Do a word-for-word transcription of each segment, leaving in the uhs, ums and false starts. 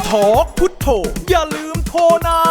ทอกพุทโธอย่าลืมโทรนะ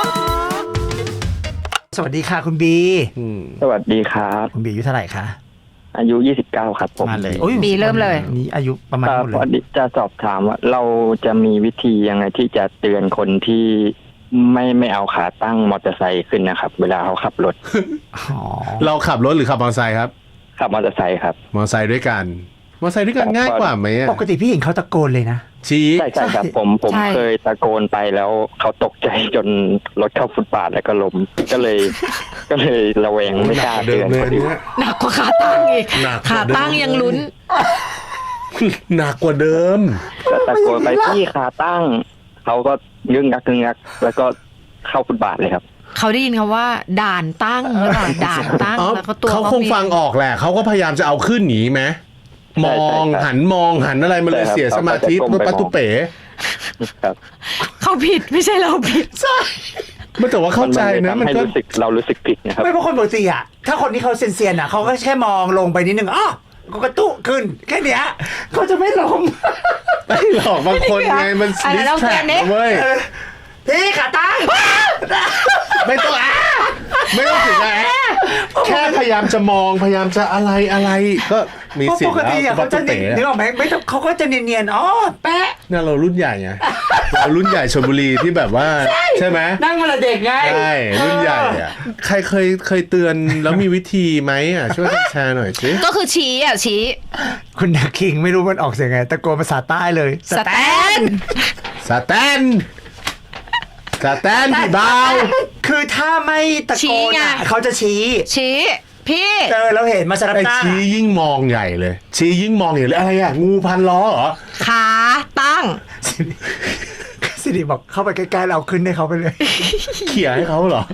สวัสดีค่ะคุณบีสวัสดีครับคุณบีอายุเท่าไหร่คะอายุยี่สิบเก้าครับผมมาเลยบีเริ่มเลยนี่อายุประมาณเท่าไหร่จะสอบถามว่าเราจะมีวิธียังไงที่จะเตือนคนที่ไม่ไม่เอาขาตั้งมอเตอร์ไซค์ขึ้นนะครับเวลาเขาขับรถเราขับรถหรือขับมอเตอร์ไซค์ครับขับมอเตอร์ไซค์ครับมอเตอร์ไซค์ด้วยกันมอเตอร์ไซค์ด้วยกันง่ายกว่าไหมปกติพี่เห็นเขาตะโกนเลยนะชี้ใช่ใช่ครับผมผมเคยตะโกนไปแล้วเขาตกใจจนรถเข้าฟุตบาทแล้วก็ล้มก็เลยก็เลยระแวงไม่กล้าเตือนคนอื่นหนักกว่าขาตั้งอีกขาตั้งยังลุ้นหนักกว่าเดิมก็ตะโกนไปพี่ขาตั้งเขาก็งึ้งงักงึ้งงักแล้วก็เข้าฟุตบาทเลยครับเขาได้ยินคำว่าด่านตั้งหรือเปล่าด่านตั้งแล้วก็ตัวเขาคงฟังออกแหละเขาก็พยายามจะเอาขึ้นหนีไหมมองหันมองหันอะไรมาเลยเสียสมาธิปุ๊บปั๊บตุ๊เป๋เขาผิดไม่ใช่เราผิดใช่ไม่แต่ว่าเข้าใจนะมันก็รู้สึกเรารู้สึกผิดนะครับไม่เพราะคนปกติอ่ะถ้าคนที่เขาเซียนๆอ่ะเขาก็แค่มองลงไปนิดนึงอ๋อก็กระตุกขึ้นแค่เนี้ยเขาจะไม่ล้มไม่หรอกบางคนไงมันดิสแทรกเว้ยพี่ขาตั้งไม่ต้องอ่ะไม่ต้องถึงอ่ะแค่พยายามจะมองพยายามจะอะไรอะไรก็มีสิทธิ์แล้วเขาจะเนียนนึกออกไหมไม่ต้องเขาก็จะเนียนๆอ๋อแปะเนี่ยเรารุ่นใหญ่ไงเรารุ่นใหญ่ชลบุรีที่แบบว่าใช่ไหมนั่งมาละเด็กไงใช่รุ่นใหญ่อ่ะใครเคยเคยเตือนแล้วมีวิธีไหมอ่ะช่วยแชร์หน่อยสิก็คือชี้อ่ะชี้คุณนักคิงไม่รู้มันออกเสียงไงตะโกนภาษาใต้เลยสแตนสแตนสแตนพี่เบาคือถ้าไม่ตะโกนเขาจะชี้ชี้พี่เจอเราเห็นมาสารพัดชี้ยิ่งมองใหญ่เลยชี้ยิ่งมองใหญ่เลยอะไรอ่ะงูพันล้อเหรอขาตั้งสิริบอกเข้าไปใกล้ๆเราขึ้นให้เขาไปเลยเขี่ยให้เขาเหรอ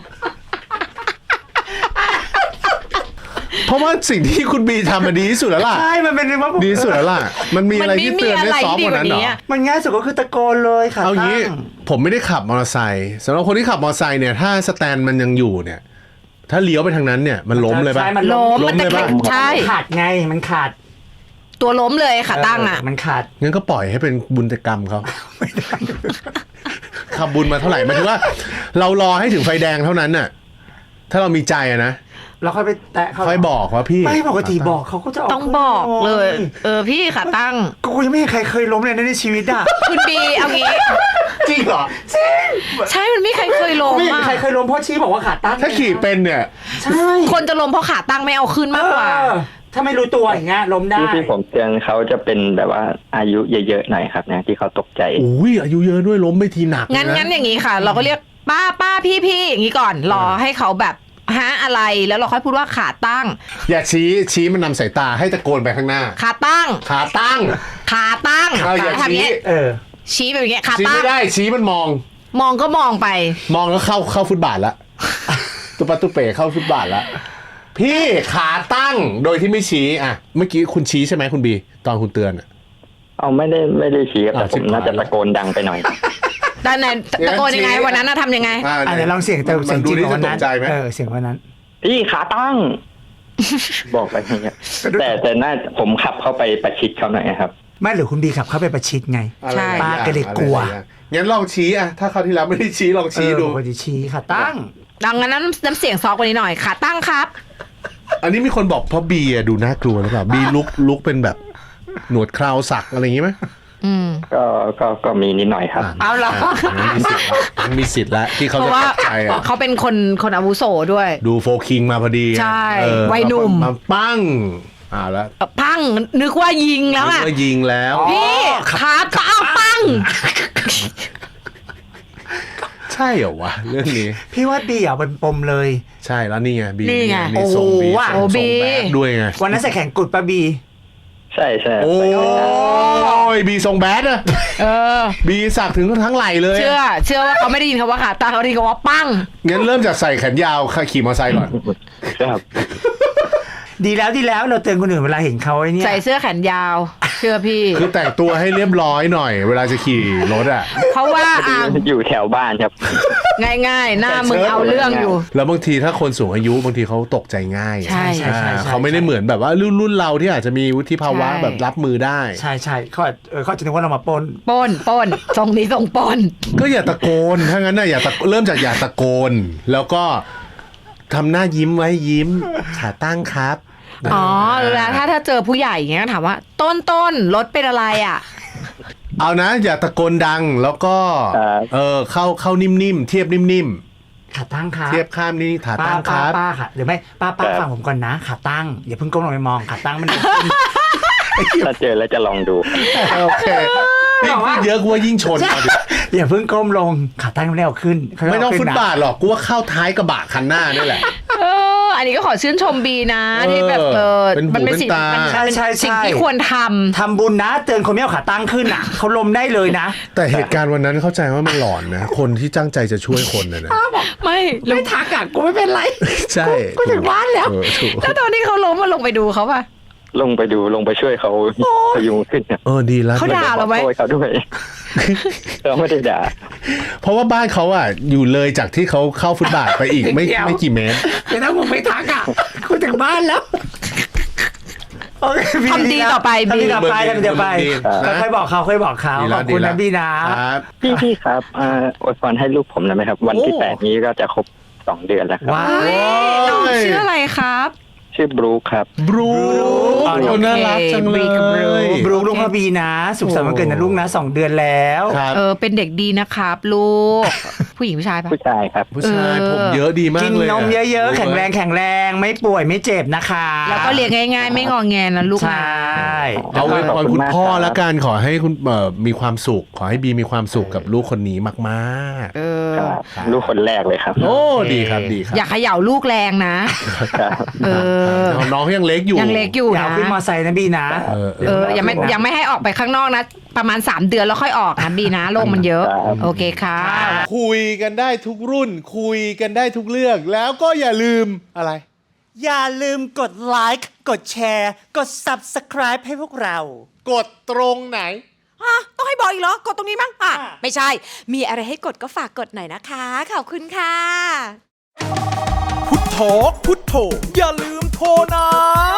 เพราะว่าสิ่งที่คุณบีทำมันดีที่สุดแล้วล่ะใช่มันเป็นว่าดีสุดแล้วล่ะมันมีอะไรที่เตือนได้ซอฟต์กว่านั้นเหรอมันง่ายสุดก็คือตะโกนเลยค่ะเอางี้ผมไม่ได้ขับมอเตอร์ไซค์สำหรับคนที่ขับมอเตอร์ไซค์เนี่ยถ้าสแตนมันยังอยู่เนี่ยถ้าเลี้ยวไปทางนั้นเนี่ยมันล้มเลยป่ะมันล้มเลยป่ะใช่ขาดไงมันขาดตัวล้มเลยขาตั้งอ่ะมันขาดงั้นก็ปล่อยให้เป็นบุญกรรมเขาขับบุญมาเท่าไหร่หมายถึงว่าเรารอให้ถึงไฟแดงเท่านั้นน่ะถ้าเรามีใจอะนะเราค่อยไปแตะเขาค่อยบอกว่าพี่ไม่ปกติบอกเขาก็จะต้องบอกเลยเออพี่ขาตั้งกูยังไม่เห็นใครเคยล้มเลยในชีวิตอ่ะคุณบีเอางี้จริงเหรอจริงใช่มันไม่ใครเคยล้มไม่ใครเคยล้มเพราะชี้บอกว่าขาตั้งถ้าขี่เป็นเนี่ยใช่คนจะล้มเพราะขาตั้งไม่เอาขึ้นมากกว่าถ้าไม่รู้ตัวอย่างเงี้ยล้มได้ที่ผมเตือนเขาจะเป็นแบบว่าอายุเยอะๆหน่อยครับนะที่เขาตกใจอุ้ยอายุเยอะด้วยล้มไม่ทีหนักงั้นงั้นอย่างนี้ค่ะเราก็เรียกป้าป้าพี่พี่อย่างนี้ก่อนรอให้เขาแบบฮะอะไรแล้วเราค่อยพูดว่าขาตั้งอย่าชี้ชี้มันนำสายตาให้ตะโกนไปข้างหน้าขาตั้งขาตั้งขาตั้งเอาอย่าชี้เออชี้แบบนี้ขาตั้งชี้ไม่ได้ชี้มันมองมองก็มองไปมองแล้วเข้าเข้าฟุตบาทละตุ๊ปะตุ๊เป๋เข้าฟุตบาทละพี่ขาตั้งโดยที่ไม่ชี้อ่ะเมื่อกี้คุณชี้ใช่ไหมคุณบีตอนคุณเตือนอ่ะเอาไม่ได้ไม่ได้ชี้แต่ผมน่าจะตะโกนดังไปหน่อยด้านไหนตะโกนยังไงวันนั้นน่ะทำยังไงอ่ะเดี๋ยวลองเสียงแต่เสียงจริงวันนั้นเออเสียงวันนั้นพี่ขาตั้งบอกไปอย่างเงี้ยแต่แต่น่าผมขับเข้าไปประชิดเขาหน่อยครับไม่หรือคุณบีขับเข้าไปประชิดไงใช่ป้าก็เลยกลัวงั้นลองชี้อ่ะถ้าเขาที่แล้วไม่ได้ชี้ลองชี้ดูปกติชี้ขาตั้งดังนั้นน้ำเสียงซอกกว่านี้หน่อยขาตั้งครับอันนี้มีคนบอกเพราะบีอ่ะดูน่ากลัวหรือเปล่าบีลุกลุกเป็นแบบหนวดคราวสักอะไรอย่างงี้ไหมอืมก็ก็ก็มีนิดหน่อยครับเอาล่ะมันมีสิทธิ์แล้วที่เขาจะตัดใจอ่ะเขาเป็นคนคนอาวุโสด้วยดูโฟคิงมาพอดีใช่วัยหนุ่มมาปั้งอ่าแล้วปั้งนึกว่ายิงแล้วอ่ะนึกว่ายิงแล้วพี่ขาตาปั้งใช่เหรอวะเรื่องนี้พี่ว่าบีอ่ะเป็นปมเลยใช่แล้วนี่ไงบีนี่ไงโอ้โหโอ้บีด้วยไงวันนั้นใส่แข่งกุดปะบีใช่ใช่โอ้ยบีทรงแบดอะเออบีสักถึงทั้งไหล่เลยเชื่อเชื่อว่าเขาไม่ได้ยินคำว่าขาตาเขาได้ยินคำว่าปั้งงั้นเริ่มจากใส่แขนยาวขี่มอเตอร์ไซค์ก่อนครับดีแล้วดีแล้วเราเตือนคนอื่นเวลาเห็นเขาไอ้นี่ใส่เสื้อแขนยาวเชื่อพี่คือแต่งตัวให้เรียบร้อยหน่อย เวลาจะขี่รถอ่ะเพราะว่าอ่ะอยู่แถวบ้านครับง่ายๆ หน้ามึงเอาเรื่องอยู่แล้วบางทีถ้าคนสูงอายุบางทีเขาตกใจง่ายใช่ใช่อ่าเขาไม่ได้เหมือนแบบว่ารุ่นรุ่นเราที่อาจจะมีวุฒิภาวะใช่แบบรับมือได้ใช่ใช่เขาอาจเออเขาอาจจะนึกว่าเรามาปล้นปล้นปล้นทรงนี้ทรงปล้นก็อย่าตะโกน ถ้างั้นน่ะอย่าตะเริ่มจากอย่าตะโกน แล้วก็ทำหน้ายิ้มไว้ยิ้มขาตั้งครับอ๋อแล้วถ้าถ้าเจอผู้ใหญ่อย่างเงี้ยถามว่า ต้นต้นรถเป็นอะไรอ่ะเอานะ อย่าตะโกนดังแล้วก็ครับเออเข้าเข้านิ่มๆเทียบนิ่มขาตั้งครัๆบเทียบข้ามนี่ขาป้าตั้งคป้ารับป้าค่ะหรือไม่ป้าป้าฟังผมก่อนนะขาตั้งอย่าเพิ่งก้มลงไปมองขาตั้งมันถ้าเจอแล้วจะลองดูโอเคนี่พูดเยอะกูว่ายิ่งชนเอาดิอย่าเพิ่งก้มลงขาตั้งไม่ได้เอาขึ้นค่ยๆไม่ต้องเขึ้ฟุนตนะบาทหรอกกูว่าเข้าท้ายกระบะคันหน้านี่แหละเออ อันนี้ก็ขอชื่นชมบีนะเออที่แบบเออเป็นหูมันเป็นสิ่งเป็นตามัมันใช่เป็นใช่ใช่สิ่งที่ควรทำทำบุญนะเตือนคนไม่เอาขาตั้งขึ้นอ่ะเขาล้มได้เลยนะแต่เหตุการณ์วันนั้นเข้าใจว่ามันหลอนนะ คนที่ตั้งใจจะช่วยคนนะนะไม่แล้วไม่ทักอ่ะกูไม่เป็นไรใช่กูถึงบ้านแล้วเออถูกแล้วตอนที่เขาล้มมาลงไปดูเขาป่ะลงไปดูลงไปช่วยเขาพยุงขึ้นครับเออดีแล้วเขาด่า เราไหมขอโทษเขาด้วยเขาไม่ได้ด่าเพราะว่าบ้านเขาอ่ะอยู่เลยจากที่เขาเข้าฟุตบาทไปอีกไม่เดี๋ยวไม่กี่เมตรแต่ถ้ามึงไม่ทักอ่ะกูถึงบ้านแล้วโอเคพี่ทำดีต่อไปทำดีบีต่อไปทำดีต่อไปดีก็ค่อยบอกเขาค่อยบอกเขาดีขแล้วอบคุณดีแล้นะวพี่นะครับพี่พี่ครับอ่าอวยพรให้ลูกผมหน่อยไหมครับ วันที่โอ้แปดนี้ก็จะครบสองเดือนแล้วครับว้าเฮ้วยน้องชื่ออะไรครับชื่อบรูคครับบรูอ๋อโอ้น่ารักจังเลบรีกับยบรูลูกพระบีนะ สุขสันต์วันเกิดนะลูกนะสองเดือนแล้วครับเออเป็นเด็กดีนะครับ ลูก ผู้หญิงผู้ชายปะผู้ชายครับผู้ชายเออผมเยอะดีมากกินเลยนมเยอะๆ แข็งแรงแข็งแรงไม่ป่วยไม่เจ็บนะคะแล้วก็เลี้ยงง่ายๆ ไม่งอแงนะลูกใชนะ่เอาไว้พรคุณพ่อขอบคุณมากครับละกันขอให้คุณเอ่อมีความสุข ขอให้บีมีความสุขกับลูกคนนี้มากเออครับลูกคนแรกเลยครับๆ โอ้ดีครับดีครับอย่าเขย่าลูกแรงนะครับเออน้องเขายังเล็กอยู่ยังเล็กอยู่อย่านะเอาขึ้นมอไซค์นะบีนะเออเออยังไม่ยังไม่ให้ออกไปข้างนอกนะ ประมาณสามเดือนแล้วค่อยออกนะบีนะโลกมันเยอะครับโอเคค่ะคุยกันได้ทุกรุ่น คุยกันได้ทุกเรื่องแล้วก็อย่าลืมอะไรอย่าลืมกดไลค์กดแชร์กด Subscribe ให้พวกเรากดตรงไหนอ่ะต้องให้บอกอีกเหรอ กดตรงนี้มั้งอ่ะอ่ะไม่ใช่ มีอะไรให้กดก็ฝากกดหน่อยนะคะ ขอบคุณค่ะพุทโธพุทโธอย่าลืมโทรนะ